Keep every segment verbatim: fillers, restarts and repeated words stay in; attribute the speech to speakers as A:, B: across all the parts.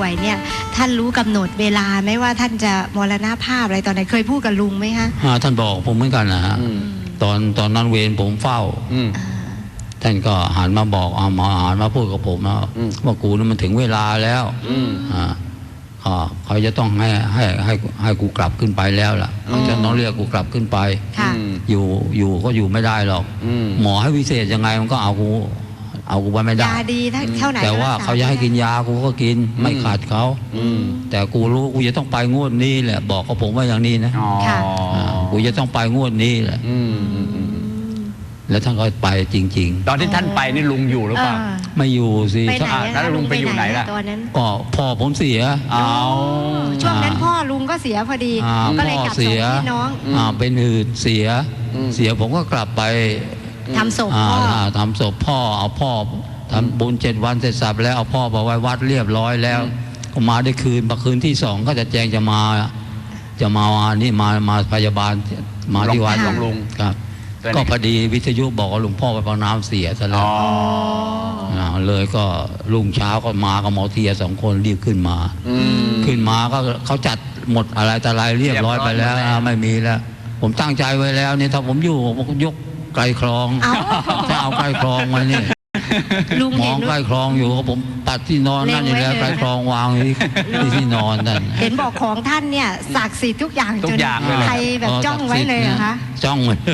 A: วยเนี่ยท่านรู้กำหนดเวลาไหมว่าท่านจะมรณภาพอะไรตอนไหนเคยพูดกับลุงไหมคะ
B: ท่านบอกผมเหมือนกันนะฮะตอนตอนนั้นเวรผมเฝ้าท่านก็หันมาบอกเอามาหันมาพูดกับผมนะว่ากูนี่มันถึงเวลาแล้วเขาจะต้องให้ให้ให้ให้กูกลับขึ้นไปแล้วล่ะจะต้องเรียกกูกลับขึ้นไปอยู่อยู่ก็อยู่ไม่ได้หรอกหมอให้วิเศษยังไงมันก็เอากูเอากูไปไม่ได้
A: ยาดีเท่าไหร่
B: แต่ว่าเขาจะให้กินยากูก็กินไม่ขาดเขาแต่กูรู้กูจะต้องไปงวดนี้แหละบอกกับผมว่าอย่างนี้นะกูจะต้องไปงวดนี้แหละแล้วท่านก็ไปจริงๆ
C: ตอนที่ท่านไปนี่ลุงอยู่หรือเปล่า
B: ไม่อยู่สิ
C: แล้วลุงไปอยู่ไหนล่ะ
A: ตอนนั้น
B: ก็พ่อผมเสีย
A: ช่วงนั้นพ่อลุงก็เสียพอดีก็เลยกลับส่งพี่น้อง
B: เป็นหืดเสียเสียผมก็กลับไป
A: ทำศพพ่อ
B: ทำศพพ่อเอาพ่อทำบุญเจ็ดวันเสร็จสับแล้วเอาพ่อไปไว้วัดเรียบร้อยแล้วก็มาได้คืนมาคืนที่สองก็จะแจ้งจะมาจะมานี่มามาพยาบาลมาที่วัด
C: ของลุง
B: ครับก็พอดีวิทยุบอกว่าหลวงพ่อไปปากน้ำเสียซะแล้วเลยก็รุ่งเช้าก็มากับหมอเทียสองคนรีบขึ้นมาขึ้นมาก็เขาจัดหมดอะไรแต่อะไรเรียบร้อยไปแล้วไม่มีแล้วผมตั้งใจไว้แล้วนี่ถ้าผมอยู่ผมก็ยกไกลคลองจะเอาไกลคลองมานี่มองไกลคลองอยู่ผมตัดที่นอนนั่นอยู่แล้วไกลคลองวางที่ที่นอนนั่น
A: เห็นบอกของท่านเนี่ยศักดิ์สิทธิ์ทุกอย่าง
C: ทุกอย่างเลย
A: ใครแบบจ้องไว้เลยนะคะ
B: จ้องเลย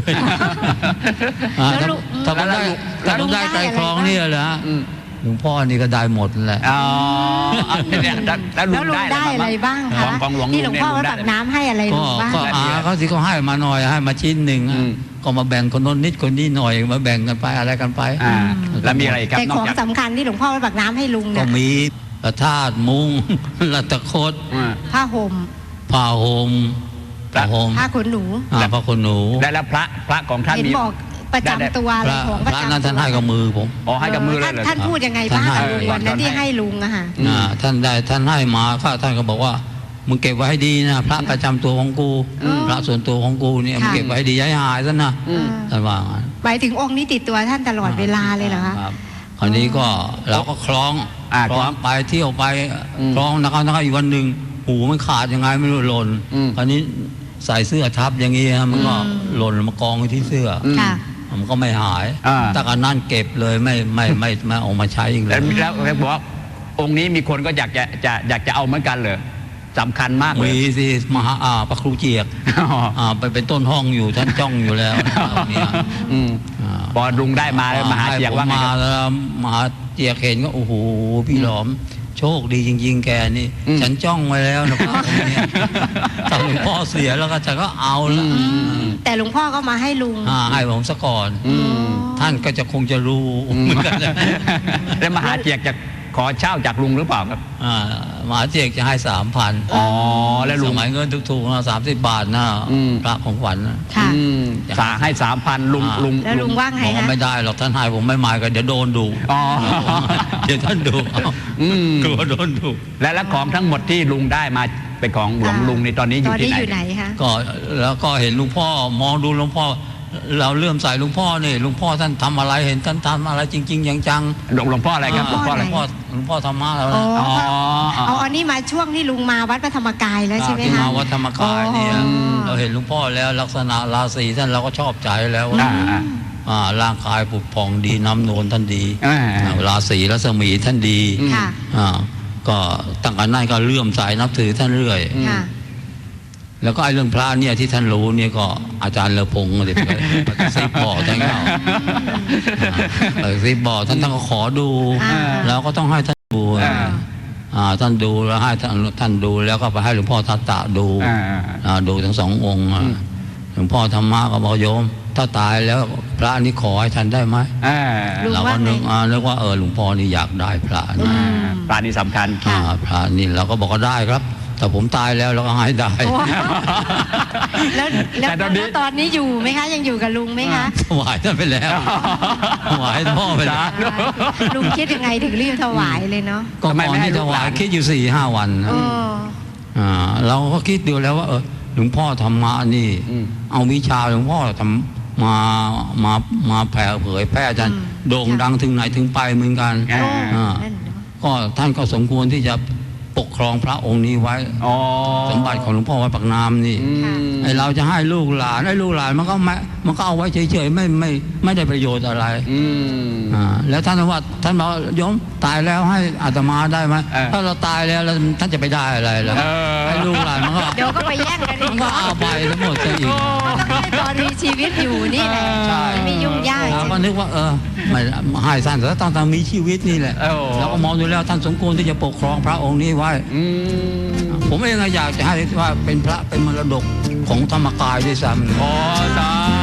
B: ถ้าผมได้ถ้าผมได้ไกลคลองนี่แหละหลวงพ่อนี่ก็ได้หมดแหละ
C: อ๋อเนี่ย
A: แล้วลุงได้อะไรบ้างคะที่หลวงพ่อวัดปากน้ำให้อะไรลุงบ้าง
B: ก็อาเขาสิเขาให้มาหน่อยให้มาชิ้นหนึ่งก็มาแบ่งคนโน้นนิดคนนี้หน่อยมาแบ่งกันไปอะไรกันไป
C: แล้วมีอะไรครับ
A: แต่ของสำคัญที่หลวงพ่อวัดปากน้ำให้ลุงเนี่ย
B: ก็มีพระธาตุมุ้งรัตคด
A: ผ้าห่ม
B: ผ้าห่มผ้าห่ม
A: ผ้าขนหนู
B: ผ้าขนหนู
C: ได้แล้วพระพระของท่าน
A: เห็นบอกประจำตัวอะไรของ
B: พระนั้นท่านให้กับมือผม
C: อ๋อให้กับมือเลย
A: ท่านพูดยังไงบ้างวันนั้นที่ให้ลุงอะค่ะ
B: ท่านได้ท่านให้มาข้าท่านก็บอกว่ามึงเก็บไว้ให้ดีนะพระประจำตัวของกูพระส่วนตัวของกูเนี่ยมึงเก็บไว้ให้ดีย้ายหายซะนะท่านว่า
A: หมายถึงองค์นี้ติดตัวท่านตลอดเวลาเลยเหรอคะ
B: คราวนี้ก็เราก็คล้องคล้องไปเที่ยวไปคล้องนะครับนะครับอีกวันหนึ่งหูมันขาดยังไงไม่รู้หล่นคราวนี้ใส่เสื้อทับอย่างนี้มันก็หล่นมากองที่เสื้อมันก็ไม่หายแต่การนั่นเก็บเลยไม่ไม่ไม่ไม่ออกมาใช้อีกเลย
C: แล้วแล้วบอกว่าองค์นี้มีคนก็อยากจะจะอยากจะเอาเหมือนกันเลยสำคัญมากเลย
B: มีสิมหาอาพระครูเจียกไปเป็นต้นห้องอยู่ท่านจ้องอยู่แล้วเนี่ย
C: พอลุงได้มาแล้วมหาเจียกว่าไง
B: มาแล้วมหาเจียกเห็นก็โอ้โหพี่หลอมโชคดีจริงๆแกนี่ฉันจ้องไว้แล้วนะพ่อเนี่ยถ้าหลวงพ่อเสียแล้วก็จะก็เอาแล้ว
A: แต่หลวงพ่อก็มาให้ลุง
B: ให้ผมซะก่อนท่านก็จะคงจะรู้เหมือนกัน
C: แล้วมหาเจียกจะขอเช่าจากลุงหรือเปล่าครับ
B: มหาเจียกจะให้สามพัน
C: อ๋อแล้วลุง
B: สมัยเงินถูกๆนะสามสิบบาทนะพระของขวัญ
A: ค่ะ
C: สาให้สามพันลุงลุง
A: แล้วลุงว่างไง
B: ฮะไม่ได้หรอกท่านให้ผมไม่มากันเดี๋ยวโดนดุเดี๋ยวท่านดุกลัวโดนดุ
C: และและของทั้งหมดที่ลุงได้มาเป็นของหลวงลุงในตอนนี้อยู่ที่
A: ไหนคะ
B: ก็แล้วก็เห็นลุงพ่อมองดูหลวงพ่อเราเลื่อมใสหลวงพ่อนี่หลวงพ่อท่านทำอะไรเห็นท่านทำอะไรจริงๆจัง
C: ๆหลวงหลวงพ่ออะไรครับหลวงพ่ออะไร
B: หลวงพ่อหลวงพ่อธรรมะแล้ว
A: อ๋อเอาอันนี้มาช่วงที่ลุงมาวัดพระธรรมกายแล้วใช่ไหมคะ
B: มาวัดธรรมกายเนี่ยเราเห็นหลวงพ่อแล้วลักษณะราศีท่านเราก็ชอบใจแล้วร่างกายผุดผ่องดีน้ำนวลท่านดีราศีรัศมีท่านดีก็ตั้งแต่นั้นก็เลื่อมใสนับถือท่านเรื่อยแล้วก็ไอ้เรื่องพระเนี่ยที่ท่านรู้เนี่ยก็อาจารย์เลอพงศ์เด็กซิบบอกท่านเขาซิบบอกท่านต้องขอดูแล้วก็ต้องให้ท่านดูท่านดูแล้วให้ท่านดูแล้วก็ไปให้หลวงพ่อทัตตะดูดูทั้งสององค์หลวงพ่อธรรมะก็บอกโยมถ้าตายแล้วพระนี่ขอให้ท่านได้ไหมเราก็นึกนึกว่าเออหลวงพ่อนี่อยากได้พระนะ
C: พระนี่สำคัญ
B: พระนี่เราก็บอกก็ได้ครับแต่ผมตายแล้วเราก็ให้ได้
A: แล้วแล้วตอนนี้อยู่ไหมคะยังอยู่กับลุงไหมคะ
B: ถวายท่านไปแล้วถวายพ่อไปแล้ว
A: ลุงคิดยังไงถึงรีบถวายเลยเนาะ
B: ก็ก่อนที่ถวายคิดอยู่สี่ห้าวันเราก็คิดดูแล้วว่าเออหลวงพ่อธรรมะนี่เอาวิชาหลวงพ่อทำมามามาแผ่เผยแพร่จนโด่งดังถึงไหนถึงไปเหมือนกันก็ท่านก็สมควรที่จะโปปกครองพระองค์นี้ไว้
C: อ๋อ
B: สมบัติของหลวงพ่อวัดปากน้ำนี่
C: อืม
B: ไอเราจะให้ลูกหลานไอ้ลูกหลานมันก็ไม่มันก็เอาไว้เฉยๆไม่ไม่ไม่ได้ประโยชน์อะไร
C: อืม
B: อ่าแล้วท่านว่าท่านบอกโยมตายแล้วให้อาตมาได้ไหม
C: เออ
B: ถ้าเราตายแล้วแล้วท่านจะไปได้อะไรล่ะ
C: เออ
B: ไอ้ลูกหลานมันก็
A: เดี๋ยวก็ไปแย่งกัน
B: มั
A: อี
B: น
A: ก
B: ก็เอาไปทั้งหมดซะอีก
A: ให้ตอนมีชีวิตอยู่นี่แหละ
B: ใช่
A: ไม่ยุ่งยาก
B: เราก็นึกว่าเออไม่ให้ท่านแต่ต้องต้องมีชีวิตนี่แหละ
C: เออ
B: แล้วก็มองดูแล้วท่านสมควรที่จะปกครองพระองค์นี้ไว้
C: อืม
B: ผมเองอยากจะให้ว่าเป็นพระเป็นมรดกของธรรมกายด้วยซ้ำ
C: อ๋อสา